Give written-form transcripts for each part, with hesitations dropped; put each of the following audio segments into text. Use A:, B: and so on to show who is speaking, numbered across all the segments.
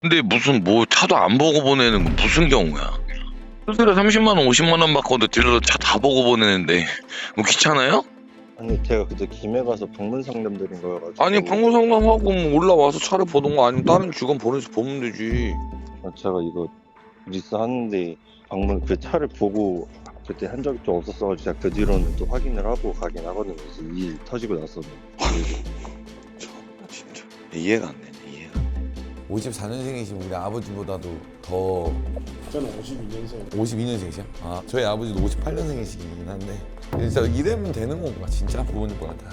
A: 근데 무슨 뭐 차도 안 보고 보내는 건 무슨 경우야? 수수료 30만 원, 50만 원 받고도 딜러 차 다 보고 보내는데 뭐 귀찮아요?
B: 아니 제가 그때 김해 가서 방문 상담 드린 거여가지고.
A: 아니 방문 상담하고 뭐 올라와서 차를 보던가 아니면 다른 직원 보내서 보면 되지.
B: 제가 이거 리스 하는데 방문 그 차를 보고 그때 한 적이 좀 없었어가지고 제가 그 뒤로는 또 확인을 하고 가긴 하거든요. 그래서 이 일 터지고 나서는.
A: 참나 진짜 이해가 안 되네. 이해가.
C: 54년생이신 우리 아버지보다도 더
D: 저는 52년생.
C: 52년생이시요? 아 저희 아버지도 58년생이시긴 한데 진짜 이러면 되는 건가 진짜 부모님보다.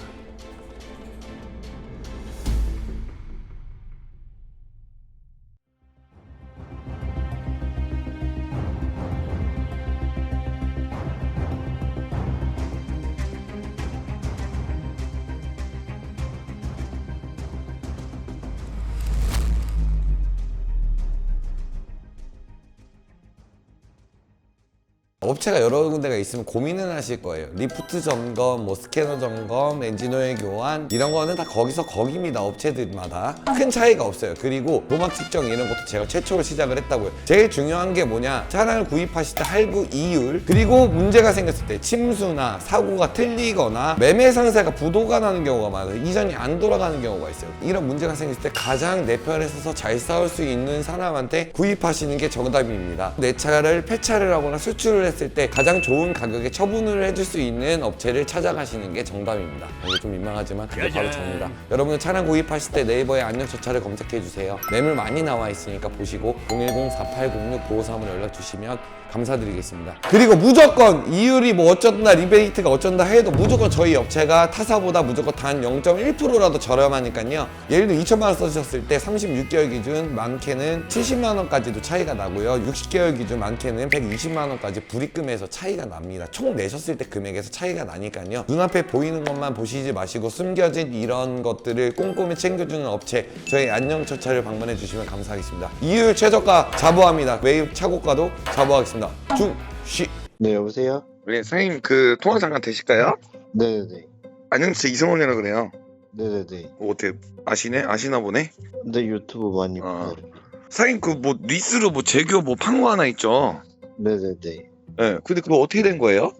C: 업체가 여러 군데가 있으면 고민은 하실 거예요. 리프트 점검, 뭐 스캐너 점검, 엔진오일 교환 이런 거는 다 거기서 거기입니다. 업체들마다 큰 차이가 없어요. 그리고 노막 측정 이런 것도 제가 최초로 시작을 했다고요. 제일 중요한 게 뭐냐, 차량을 구입하실 때 할부 이율, 그리고 문제가 생겼을 때 침수나 사고가 틀리거나 매매 상세가 부도가 나는 경우가 많아요. 이전이 안 돌아가는 경우가 있어요. 이런 문제가 생겼을 때 가장 내 편에 서서 잘 싸울 수 있는 사람한테 구입하시는 게 정답입니다. 내 차를 폐차를 하거나 수출을 했을 때 가장 좋은 가격에 처분을 해줄 수 있는 업체를 찾아가시는 게 정답입니다. 이거 좀 민망하지만 그게 바로 정답. 여러분은 차량 구입하실 때 네이버에 안녕저차를 검색해주세요. 매물 많이 나와 있으니까 보시고 010-4806-953으로 연락 주시면 감사드리겠습니다. 그리고 무조건 이율이 뭐 어쩐다 리베이트가 어쩐다 해도 무조건 저희 업체가 타사보다 무조건 단 0.1%라도 저렴하니까요. 예를 들어 2천만 원 써주셨을 때 36개월 기준 많게는 70만 원까지도 차이가 나고요. 60개월 기준 많게는 120만 원까지 불입금에서 차이가 납니다. 총 내셨을 때 금액에서 차이가 나니까요. 눈앞에 보이는 것만 보시지 마시고 숨겨진 이런 것들을 꼼꼼히 챙겨주는 업체 저희 안녕처차를 방문해 주시면 감사하겠습니다. 이율 최저가 자부합니다. 매입 차고가도 자부하겠습니다. 중시.
B: 네 여보세요?
A: 네, 사장님 그 통화 잠깐 되실까요?
B: 네네네.
A: 안녕, 저 이성원이라 그래요.
B: 네네네.
A: 뭐 어떻게 아시네? 아시나 보네?
B: 근데 유튜브 많이
A: 아.
B: 봐요.
A: 사장님 그 뭐 리스로 뭐 제교 뭐 판 거 하나 있죠?
B: 네네네.
A: 네, 근데 그거 어떻게 된 거예요?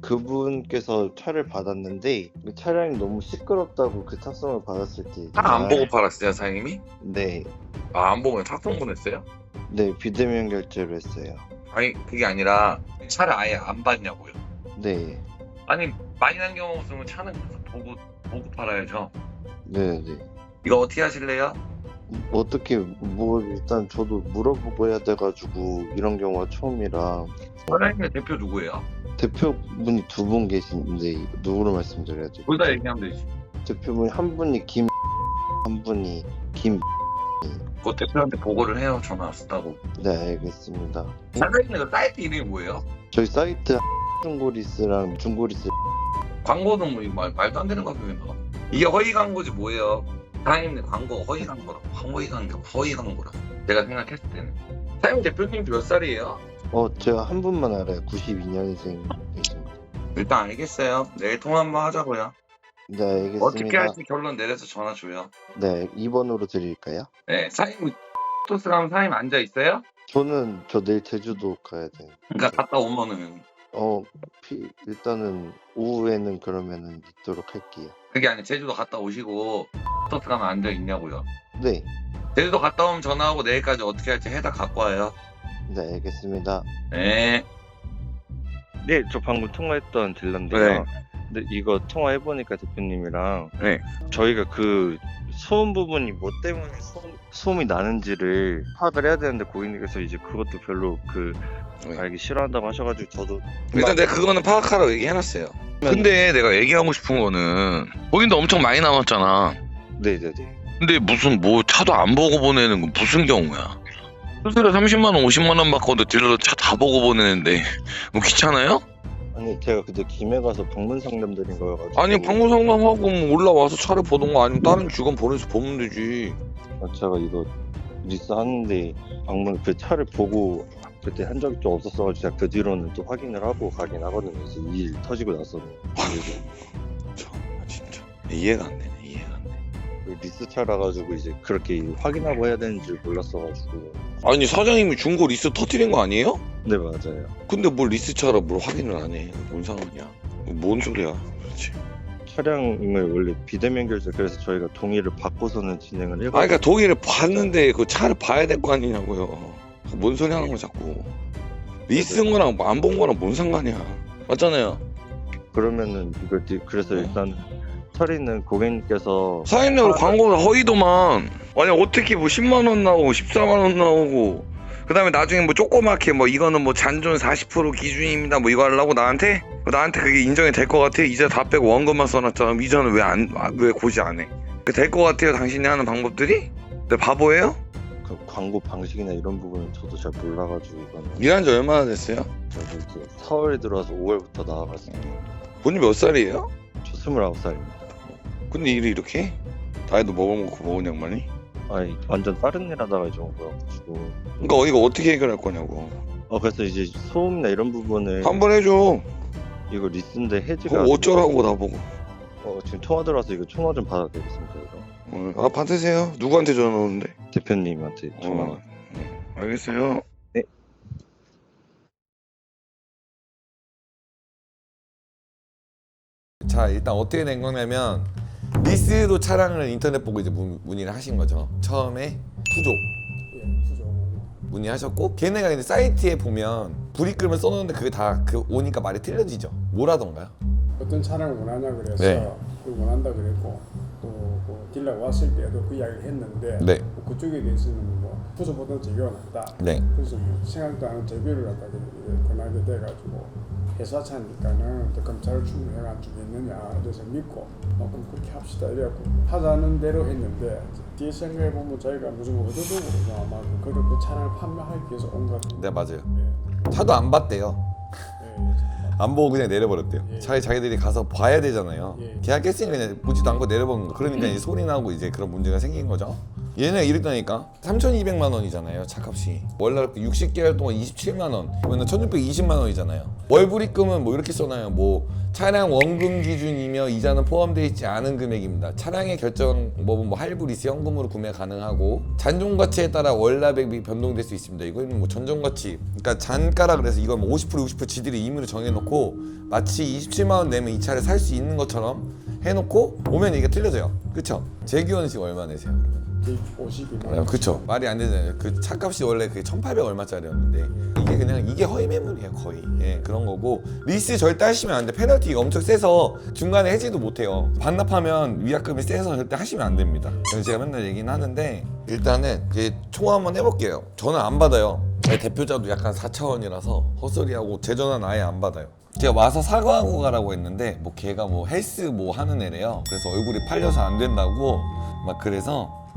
B: 그분께서 차를 받았는데 그 차량이 너무 시끄럽다고 그 탁송을 받았을 때.
A: 차 안 보고 팔았어요, 사장님이?
B: 네.
A: 아, 안 보고 탁송 보냈어요?
B: 네 비대면 결제로 했어요.
A: 아니 그게 아니라 차를 아예 안 봤냐고요.
B: 네.
A: 아니 많이 난 경우 없으면 차는 계속 보고 팔아야죠.
B: 네네.
A: 이거 어떻게 하실래요?
B: 어떻게 뭐 일단 저도 물어보고 해야 돼가지고 이런 경우가 처음이라.
A: 사장님의 대표 누구예요?
B: 대표분이 두 분 계신데 누구로 말씀드려야 돼요?
A: 둘 다 얘기하면 되지.
B: 대표분 한 분이 김, 한 분이 김.
A: 그 대표한테 보고를 해요. 전화 왔다고.
B: 네 알겠습니다.
A: 사장님의 그 사이트 이름이 뭐예요?
B: 저희 사이트 중고리스랑 중고리스.
A: 광고는 뭐 이거 말도 안 되는 광고에 나와. 이게 허위 광고지 뭐예요? 사장님의 광고 허위 광고라고. 허위 광고라고. 제가 생각했을 때는. 사장님 대표님 몇 살이에요?
B: 제가 한 분만 알아요. 92년생이십니다.
A: 일단 알겠어요. 내일 통화 한번 하자고요.
B: 네 알겠습니다.
A: 어떻게 할지 결론 내려서 전화 줘요.
B: 네 2번으로 드릴까요?
A: 네, 사장님 토스 가면 사장님 앉아 있어요?
B: 저 내일 제주도 가야 돼요.
A: 그러니까 갔다 오면은
B: 일단은 오후에는 그러면은 있도록 할게요.
A: 그게 아니 제주도 갔다 오시고 토스 가면 앉아 있냐고요.
B: 네.
A: 제주도 갔다 오면 전화하고 내일까지 어떻게 할지 해다 갖고 와요.
B: 네 알겠습니다.
A: 네.
B: 네, 저 방금 통화했던 딜러인데요.
A: 네.
B: 근데 이거 통화해보니까 대표님이랑
A: 네.
B: 저희가 그 소음 부분이 뭐 때문에 소음이 나는지를 파악을 해야 되는데 고객님께서 이제 그것도 별로
A: 네.
B: 알기 싫어한다고 하셔가지고 저도
A: 일단 내가 그거는 파악하라고 얘기해놨어요. 근데 내가 얘기하고 싶은 거는 본인도 엄청 많이 남았잖아.
B: 네네네.
A: 근데 무슨 뭐 차도 안 보고 보내는 건 무슨 경우야? 수수료 30만 원, 50만 원 받고도 딜러 차 다 보고 보내는데 뭐 귀찮아요?
B: 아니 제가 그때 김해 가서 방문 상담 드린 거여가지고.
A: 아니 방문 상담하고 뭐 올라와서 차를 보던가 아니면 다른 직원 보내서 보면 되지.
B: 제가 이거 리스 하는데 방문 그 차를 보고 그때 한 적이 좀 없었어가지고 제가 그 뒤로는 또 확인을 하고 가긴 하거든요. 그래서 이 일 터지고 나서는.
A: 참나 진짜 이해가 안 되네. 이해가 안 돼.
B: 리스차라 가지고 이제 그렇게 확인하고 해야 되는 줄 몰랐어가지고.
A: 아니 사장님이 중고 리스 터뜨린 거 아니에요?
B: 네 맞아요.
A: 근데 뭘 리스차라 뭘 확인을 안 해? 뭔 상관이야? 뭔 소리야? 그렇지.
B: 차량을 원래 비대면 결제 그래서 저희가 동의를 받고서는 진행을 해가지고.
A: 그러니까 동의를 봤는데 그 차를 봐야 될 거 아니냐고요. 뭔 소리 하는 거 자꾸. 리스인 거랑 안 본 거랑 뭔 상관이야? 맞잖아요.
B: 그러면은 이거 그래서 일단 처리는 고객님께서
A: 사장님 광고가 허위도만. 아니 어떻게 뭐 10만 원 나오고 14만 원 나오고 그다음에 나중에 뭐 조그맣게 뭐 이거는 뭐 잔존 40% 기준입니다 뭐 이거 하려고 나한테 그게 인정이 될 것 같아? 이자 다 빼고 원금만 써놨잖아. 이자는 왜 고지 안 해? 될 것 같아요 당신이 하는 방법들이? 내 바보예요?
B: 그 광고 방식이나 이런 부분은 저도 잘 몰라가지고 이거는
A: 일한 지 얼마나 됐어요?
B: 저도 이제 4월에 들어와서 5월부터 나와가지고.
A: 본인 몇 살이에요?
B: 저 29살입니다.
A: 근데 일을 이렇게 해? 나이도 먹어먹고 먹은 양반이?
B: 아니 완전 다른 일 하다가 이제 온 거여가지고.
A: 그러니까 이거 어떻게 해결할 거냐고.
B: 그래서 이제 소음이나 이런 부분을
A: 한번 해줘.
B: 이거 리스인데 해지가
A: 그거 어쩌라고 나보고.
B: 지금 통화 들어와서 이거 통화 좀 받아도 되겠습니까 이거?
A: 받으세요. 누구한테 전화 오는데?
B: 대표님한테 전화.
A: 알겠어요.
B: 네.
C: 자 일단 어떻게 된 거냐면 리스로 차량을 인터넷 보고 이제 문의를 하신 거죠. 처음에 푸조
D: 예, 수조.
C: 문의하셨고 걔네가 이제 사이트에 보면 불입금을 써놓는데 그게 다 오니까 말이 틀려지죠. 뭐라던가요?
D: 어떤 차량을 원하냐 그래서
C: 네.
D: 그걸 원한다 그랬고 또그 딜러 왔을 때도 그 이야기를 했는데
C: 네.
D: 뭐 그쪽에 대해서는 뭐 부서보다 재교가 낫다.
C: 네.
D: 그래서 뭐 생각도 안 하는 재교를 갖다 권하게 돼가지고 회사 차니까는 또 검찰을 충분히 안 주겠느냐 그래서 믿고 그럼 그렇게 합시다 이래갖고 하자는 대로 했는데 뒤에 생각해 보면 저희가 무슨 의도적으로 아마 그 차량을 판매하기 위해서 온 것 같은데.
C: 네 맞아요.
D: 예.
C: 차도 안 봤대요.
D: 예.
C: 안 보고 그냥 내려버렸대요.
D: 예.
C: 자기들이 가서 봐야 되잖아요.
D: 예.
C: 계약했으니까 그냥 보지도 않고 내려버린 거. 그러니까 이제 소리 나고 이제 그런 문제가 생긴 거죠. 얘네 이랬다니까 3,200만 원이잖아요 차값이. 월날 60개월 동안 27만 원 그러면 1,620만 원이잖아요. 월 불입금은 뭐 이렇게 써놔요. 뭐 차량 원금 기준이며 이자는 포함되어 있지 않은 금액입니다. 차량의 결정법은 뭐 할부 리스 현금으로 구매 가능하고 잔존 가치에 따라 월납액이 변동될 수 있습니다. 이거는 뭐 전존 가치 그러니까 잔가라 그래서 이건 뭐 50% 지들이 임의로 정해놓고 마치 27만 원 내면 이 차를 살 수 있는 것처럼 해놓고 오면 이게 틀려져요. 그쵸? 재규원 씨 얼마 내세요 그러면?
D: 52만 원.
C: 그쵸. 말이 안 되잖아요. 그 차값이 원래 그게 1,800 얼마짜리였는데 이게 그냥 이게 허위 매물이에요 거의. 예 그런 거고 리스 절대 하시면 안 돼. 페널티가 엄청 세서 중간에 해지도 못 해요. 반납하면 위약금이 세서 절대 하시면 안 됩니다. 그래서 제가 맨날 얘기는 하는데 일단은 총 한번 해볼게요. 전화 안 받아요. 대표자도 약간 4차원이라서 헛소리하고 제 전화는 아예 안 받아요. 제가 와서 사과하고 가라고 했는데 뭐 걔가 뭐 헬스 뭐 하는 애래요. 그래서 얼굴이 팔려서 안 된다고 막 그래서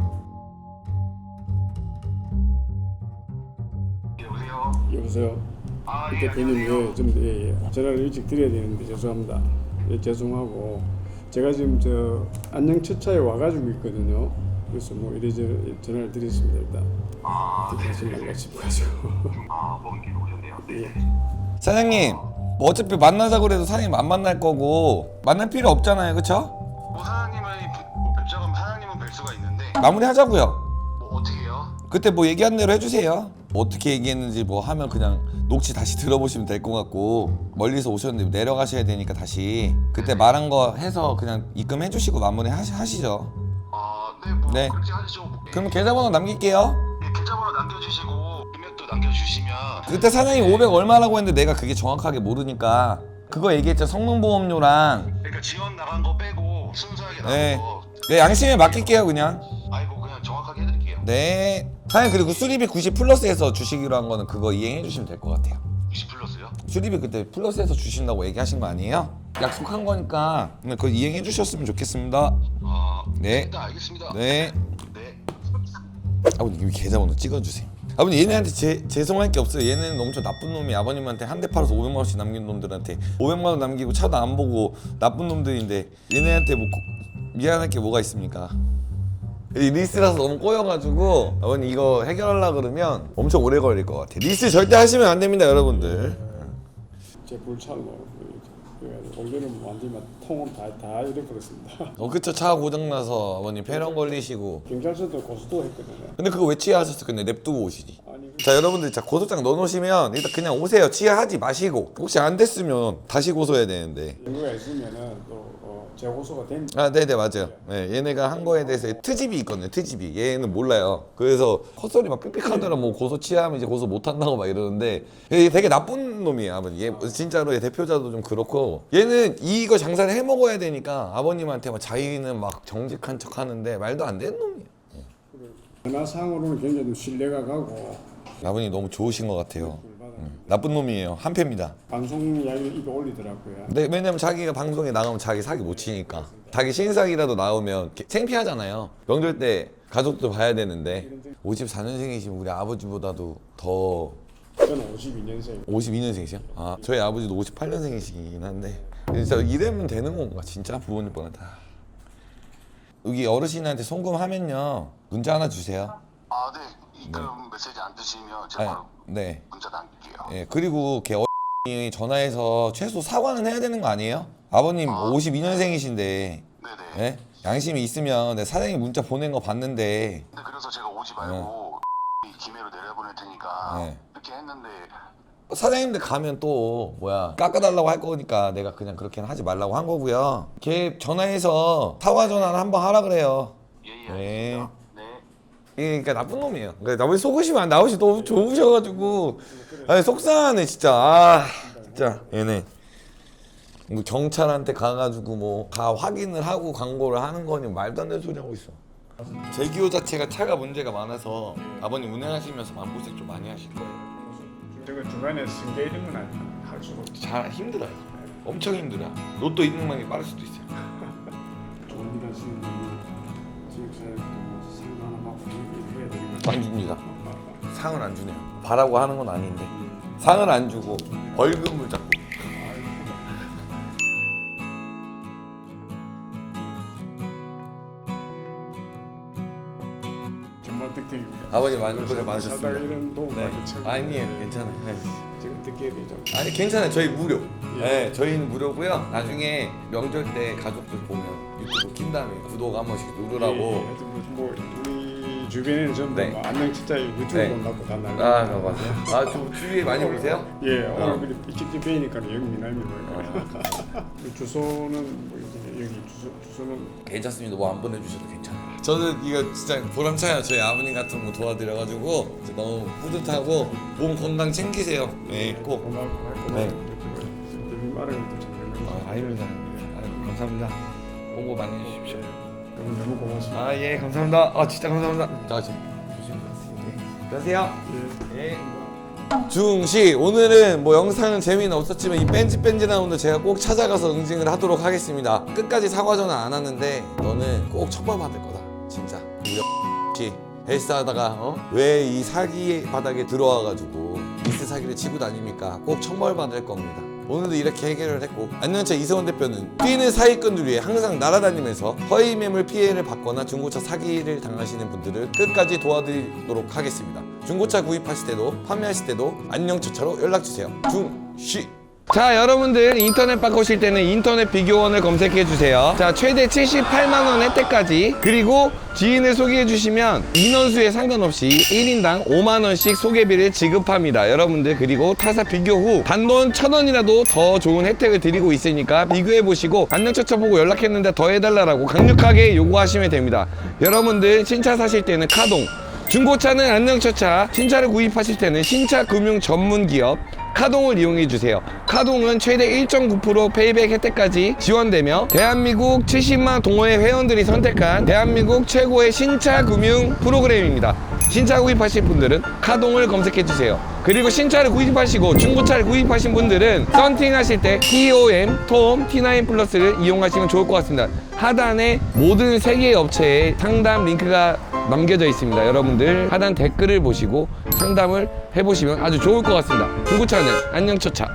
D: 여보세요. 대표님 좀 전화를 일찍 드려야 되는데 죄송합니다. 죄송하고 제가 지금 저 안녕 첫차에 와가지고 있거든요. 그래서 뭐 이래저래 전화를 드렸습니다 일단. 하지 말라 싶어가지고.
E: 먼 길 오셨네요.
D: 예.
C: 사장님 뭐 어차피 만나자고 그래도 사장님 안 만날 거고 만날 필요 없잖아요 그쵸?
E: 사장님은 뵙자면 사장님은 뵐 수가 있는데
C: 마무리 하자고요.
E: 뭐 어떻게 해요?
C: 그때 뭐 얘기한 대로 해주세요. 뭐 어떻게 얘기했는지 뭐 하면 그냥 녹취 다시 들어보시면 될 것 같고 멀리서 오셨는데 내려가셔야 되니까 다시 그때 말한 거 해서 그냥 입금해 주시고 마무리 하시죠.
E: 네, 뭐
C: 네.
E: 그렇게 하시죠.
C: 그럼 계좌번호 남길게요.
E: 계좌번호 남겨주시고 금액도 남겨주시면
C: 그때 사장님 500 얼마라고 했는데 내가 그게 정확하게 모르니까 그거 얘기했죠. 성능보험료랑
E: 그러니까 지원 나간 거 빼고 순수하게 나간
C: 네.
E: 거
C: 네 양심에 맡길게요 그냥.
E: 아이고 그냥 정확하게 해드릴게요.
C: 네 사장님 그리고 수리비 90 플러스해서 주시기로 한 거는 그거 이행해 주시면 될 것 같아요.
E: 20 플러스요?
C: 수리비 그때 플러스해서 주신다고 얘기하신 거 아니에요? 약속한 거니까 그거 이행해 주셨으면 좋겠습니다. 네.
E: 일단 알겠습니다.
C: 네.
E: 네.
C: 아버님 이 계좌번호 찍어주세요. 아버님 얘네한테 죄송할 게 없어요. 얘네는 엄청 나쁜 놈이 아버님한테 한 대 팔아서 500만 원씩 남긴 놈들한테 500만 원 남기고 차도 안 보고 나쁜 놈들인데 얘네한테 뭐 미안할 게 뭐가 있습니까? 이 리스라서 너무 꼬여가지고 아버님 이거 해결하려고 그러면 엄청 오래 걸릴 것 같아요. 리스 절대 하시면 안 됩니다 여러분들.
D: 제 불찰로 그래가지고 올여름 완전히 통은 다 잃어버렸습니다.
C: 그쵸. 차가 고장나서 아버님 폐렴 걸리시고.
D: 경찰서도 고소도 했거든요.
C: 근데 그거 왜 치아하셨어? 근데 냅두고 오시니?
D: 아니
C: 자, 여러분들, 자, 고소장 넣어놓으시면 일단 그냥 오세요. 치아하지 마시고. 혹시 안 됐으면 다시 고소해야 되는데.
D: 연구가 있으면은 또 재고소가 된.
C: 아, 네네, 맞아요. 네, 얘네가 한 거에 대해서 트집이 있거든요, 트집이. 얘는 몰라요. 그래서 헛소리 막 삑삑하더라, 뭐 고소 취하면 이제 고소 못 한다고 막 이러는데, 얘 되게 나쁜 놈이에요, 아버님. 얘 진짜로 얘 대표자도 좀 그렇고, 얘는 이거 장사를 해 먹어야 되니까 아버님한테 막 자기는 막 정직한 척 하는데 말도 안 되는 놈이에요.
D: 전화상으로는 굉장히 좀 신뢰가 가고
C: 아버님 너무 좋으신 것 같아요. 나쁜 놈이에요. 한패입니다.
D: 방송 이야기를 입에 올리더라고요.
C: 네, 왜냐면 자기가 방송에 나가면 자기 사기 못 치니까. 자기 신사기라도 나오면 창피하잖아요. 명절 때 가족도 봐야 되는데 54년생이시면 우리 아버지보다도 더
D: 저는 52년생.
C: 52년생이시요? 아, 저희 아버지도 58년생이시긴 한데 진짜 이러면 되는 건가 진짜 부모님보다. 여기 어르신한테 송금하면요 문자 하나 주세요.
E: 아, 네. 그럼 메시지 안 드시면 제가 바로
C: 네.
E: 문자 남길게요.
C: 예, 그리고 걔 어머니 전화해서 최소 사과는 해야 되는 거 아니에요? 아버님 52년생이신데
E: 네네.
C: 예? 양심이 있으면 내 사장님 문자 보낸 거 봤는데
E: 근데 그래서 제가 오지 말고 기매로 내려보낼 테니까
C: 네.
E: 이렇게 했는데
C: 사장님들 가면 또 뭐야 깎아달라고 할 거니까 내가 그냥 그렇게는 하지 말라고 한 거고요. 걔 전화해서 사과 전화를 한번 하라 그래요.
E: 예예.
C: 네.
E: 알겠습니다. 네.
C: 그러니까 나쁜 놈이에요. 그러니까 나머지 속으시면 안 나오시 너무 좋으셔가지고 아니 속상하네 진짜. 아 진짜 얘네 뭐 경찰한테 가가지고 뭐 다 확인을 하고 광고를 하는 거니 말도 안 되는 소리 하고 있어. 제기호 자체가 차가 문제가 많아서 아버님 운행하시면서 마음고생 좀 많이 하실 거예요.
D: 제가 중간에 승계 이런 건 할 수가 없죠.
C: 잘 힘들어요. 엄청 힘들어요. 로또 2등만이 빠를 수도 있어요.
D: 좋은 일 하시는 분은 지역사회도 상도 하나 받고 일해야 되는
C: 안 줍니다. 상을 안 주네요. 바라고 하는 건 아닌데 상을 안 주고 벌금을 잡고.
D: 정말 득템입니다.
C: 아버님 많이 고생
D: 살다가
C: 많으셨습니다.
D: 이런 도움
C: 네.
D: 받기 참
C: 아니에요, 괜찮아요. 네.
D: 지금 득템이 좀
C: 아니 괜찮아요. 저희 무료.
D: 예.
C: 네, 저희는 무료고요. 나중에 명절 때 가족들 보면 유튜브 킨 다음에 구독 한 번씩 누르라고.
D: 하여튼 뭐 우리 주변에는 전부
C: 네.
D: 뭐 안녕 진짜 유튜브
C: 네.
D: 본다고 다 날려.
C: 아, 맞아요. 아, 좀 주위에 많이 보세요?
D: 예, 오늘 직접 뵈니까 영 미남이고요.
C: 어.
D: 주소는 뭐 이제 여기 주소는
C: 괜찮습니다. 뭐 안 보내주셔도 괜찮아요. 저는 이거 진짜 보람차요. 저희 아버님 같은 거 도와드려가지고 진짜 너무 뿌듯하고 몸 건강 챙기세요. 네, 꼭.
D: 고맙고
C: 네.
D: 말하는 것도 참
C: 아닙니다. 감사합니다. 홍보 많이 해주십시오.
D: 너무 고맙습니다.
C: 아, 예, 감사합니다. 아, 진짜 감사합니다. 자, 지금 조심히 가세요.
D: 예.
C: 예. 중시 오늘은 뭐 영상은 재미는 없었지만 이 뺀질뺀질한 오늘 제가 꼭 찾아가서 응징을 하도록 하겠습니다. 끝까지 사과 전화 안 하는데 너는 꼭 처벌받을 거다. 진짜. 우리 헬스하다가 왜 이 사기 바닥에 들어와가지고 미스 사기를 치고 다닙니까? 꼭 처벌받을 겁니다. 오늘도 이렇게 해결을 했고 안녕차 이세원 대표는 뛰는 사기꾼들 위해 항상 날아다니면서 허위 매물 피해를 받거나 중고차 사기를 당하시는 분들을 끝까지 도와드리도록 하겠습니다. 중고차 구입하실 때도 판매하실 때도 안녕차차로 연락주세요. 중시. 자, 여러분들 인터넷 바꾸실 때는 인터넷 비교원을 검색해 주세요. 자, 최대 78만원 혜택까지, 그리고 지인을 소개해 주시면 인원수에 상관없이 1인당 5만원씩 소개비를 지급합니다. 여러분들, 그리고 타사 비교 후 단돈 1,000원이라도 더 좋은 혜택을 드리고 있으니까 비교해 보시고 안녕차차 보고 연락했는데 더 해달라고 강력하게 요구하시면 됩니다. 여러분들 신차 사실 때는 카동, 중고차는 안녕차차, 신차를 구입하실 때는 신차금융 전문기업 카동을 이용해주세요. 카동은 최대 1.9% 페이백 혜택까지 지원되며 대한민국 70만 동호회 회원들이 선택한 대한민국 최고의 신차금융 프로그램입니다. 신차 구입하실 분들은 카동을 검색해주세요. 그리고 신차를 구입하시고 중고차를 구입하신 분들은 썬팅 하실 때 TOM, T9 플러스를 이용하시면 좋을 것 같습니다. 하단에 모든 3개의 업체의 상담 링크가 남겨져 있습니다. 여러분들 하단 댓글을 보시고 상담을 해보시면 아주 좋을 것 같습니다. 중고차는 안녕차차.